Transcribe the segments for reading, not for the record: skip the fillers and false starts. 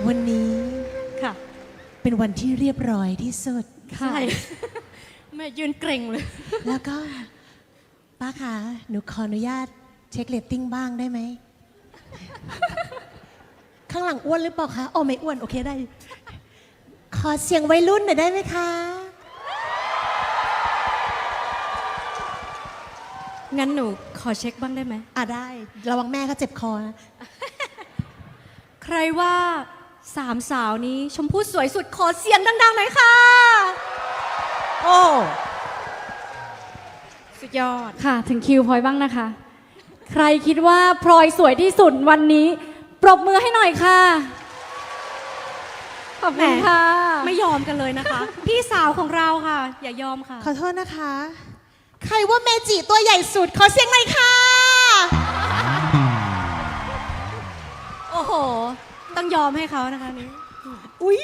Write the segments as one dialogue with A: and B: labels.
A: วันนี้
B: ค่ะ
A: เป็นวันที่เรียบร้อยที่สุด
B: ใช่แม่ยืนเกรงเลย
A: แล้วก็ป้าคะหนูขออนุญาตเช็คเรตติ้งบ้างได้ไหม ข้างหลังอ้วนหรือเปล่าคะอ๋อไม่อ้วนโอเคได้ ขอเสียงวัยรุ่นหน่อยได้ไหมคะ
B: งั้นหนูขอเช็คบ้างได้ไหม
A: ได้ระวังแม่เขาเจ็บคอนะ
B: ใครว่าสามสาวนี้ชมพู่สวยสุดขอเสียงดังๆหน่อยค่ะ
A: โอ้
B: สุดยอด
C: ค่ะถึงคิวพลอยบ้างนะคะ ใครคิดว่าพลอยสวยที่สุดวันนี้ปรบมือให้หน่อยค่ะขอบคุณค่ะ
B: ไม่ยอมกันเลยนะคะ พี่สาวของเราค่ะ อย่ายอมค่ะ
A: ขอโทษนะคะ ใครว่าเมจิตัวใหญ่สุดขอเสียงหน่อยค่ะ
B: โอ้โห ต้องยอมให้เขานะคะนี้
A: อุ๊ย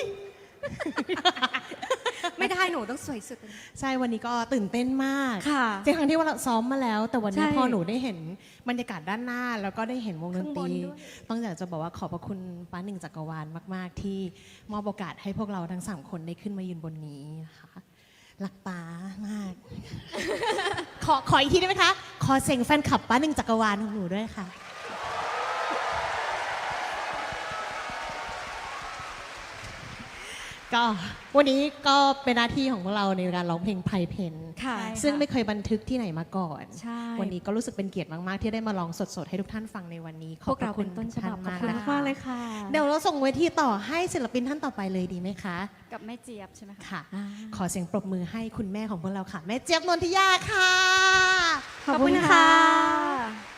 B: ไม่ได้หนูต้องสวยสุด
A: ใช่วันนี้ก็ตื่นเต้นมาก
B: ค่ะ
A: ในครั้งที่ว่าเราซ้อมมาแล้ว แต่วันนี้
B: ใช่
A: พอหนูได้เห็นบรรยากาศด้านหน้า แล้วก็ได้เห็นวงดนตรี
B: ข้างบนด้วย
A: ต้องอยากจะบอกว่าขอบพระคุณป้าหนึ่งจักรวาลมาก ๆ ที่มอบโอกาสให้พวกเราทั้ง3คนได้ขึ้นมายืนบนนี้นะคะรักป้ามาก ขออีกทีได้ไหมคะ ขอเสียงแฟนคลับป้าหนึ่งจักรวาลของหนูด้วยค่ะ ก็วันนี้ก็เป็นหน้าที่ของพวกเราในการร้องเพลงไพเพน
B: ค่ะ
A: ซึ่งไม่เคยบันทึกที่ไหนมาก่อน
B: ใช่
A: วันนี้ก็รู้สึกเป็นเกียรติมาก ๆ ที่ได้มาลองสด ๆ ให้ทุกท่านฟังในวันนี้ ข
B: พ
A: อบ
B: วก
A: พ
B: เรา
A: ระคุ
B: เป็
A: ณ
B: นต้นฉ
A: ท่า
B: บับ
A: น
B: ขอบ
A: มาก
B: คุณ
A: นะคะ
B: มากเลยค่ะ
A: เดี๋ยวเราส่งเวทีต่อให้ศิลปินท่านต่อไปเลยดีไหมคะ
C: กับแม่เจี๊ยบใช่ไหมคะ
A: ค่ะ ขอเสียงปรบมือให้คุณแม่ของพวกเราค่ะ แม่เจี๊ยบนนทิยาค่ะ
B: ขอบคุณค่ะ